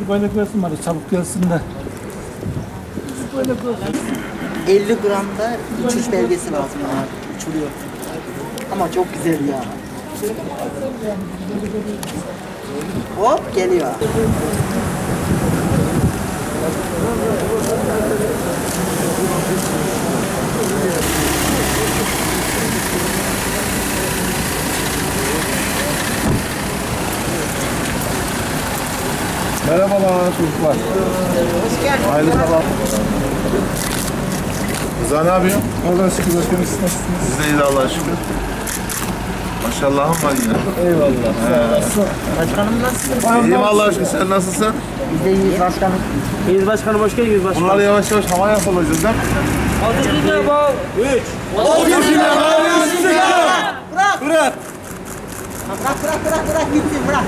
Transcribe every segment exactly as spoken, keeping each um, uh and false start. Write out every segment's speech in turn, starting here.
Bir bayrak versin bari çabuk gelsin de. elli gramda uçuş belgesi lazım bana. Uçuluyor. Ama çok güzel ya. Hop geliyor. Merhabalar çocuklar. Hoş geldin. Hayırlı sabah. Rıza ne yapıyorsun? Allah'a şükür bakın siz nasılsınız? Biz de iyiyiz Allah'a şükür. Maşallahım var yine. Eyvallah. Başkanım nasılsın? İyiyim Allah'a şükür. Sen nasılsın? Biz de iyiyiz başkanım. İyiyiz başkanım, hoş geldiniz başkanım. Bunları yavaş yavaş hava yapılacağız değil mi? Altı bin bal. Üç. Bırak. Bırak. Bırak bırak bırak bırak gitsin bırak.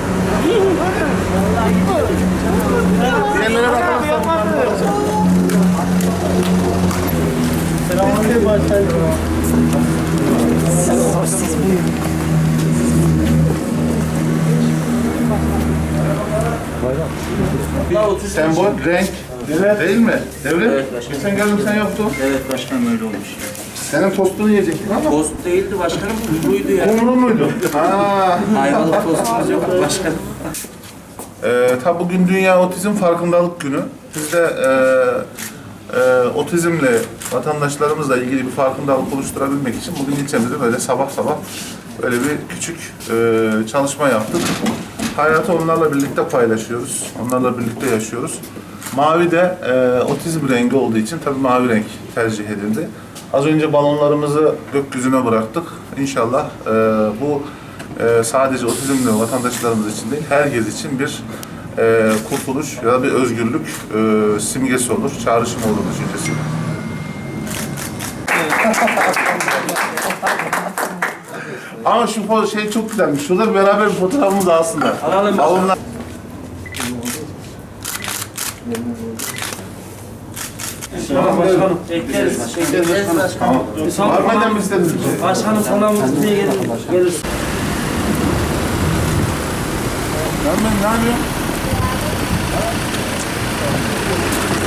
Diğerlere bakalım. Selamünaleyküm başkanım. Sembol, renk. Evet. Değil mi? Devlet. Evet başkanım. Geçen geldim sen yoktun. Evet başkanım, öyle olmuş. Senin tostunu yiyecektin ama. Tost değildi başkanım, kumruydu ya. Kumru muydu? Ha. Ayvalık tostumuz yok başkanım. Ee, tabi bugün Dünya Otizm Farkındalık Günü. Biz de e, e, otizmle vatandaşlarımızla ilgili bir farkındalık oluşturabilmek için bugün ilçemizde böyle sabah sabah böyle bir küçük e, çalışma yaptık. Hayatı onlarla birlikte paylaşıyoruz, onlarla birlikte yaşıyoruz. Mavi de e, otizm rengi olduğu için tabii mavi renk tercih edildi. Az önce balonlarımızı gökyüzüne bıraktık. İnşallah e, bu e, sadece otizmli vatandaşlarımız için değil, herkes için bir e, kurtuluş ya da bir özgürlük e, simgesi olur, çağrışım olur düşüncesi. Ama şu fo- şey çok güzelmiş. Şurada beraber bir fotoğrafımız aslında. Alalım. Balonlar. Başkanım, bekleriz. Bekleriz başkanım. Tamam. Var mı benden bir istediğiniz bir şey? Başkanım, salamımız diye gelir. Gelir. Ben ben ne yapıyorum?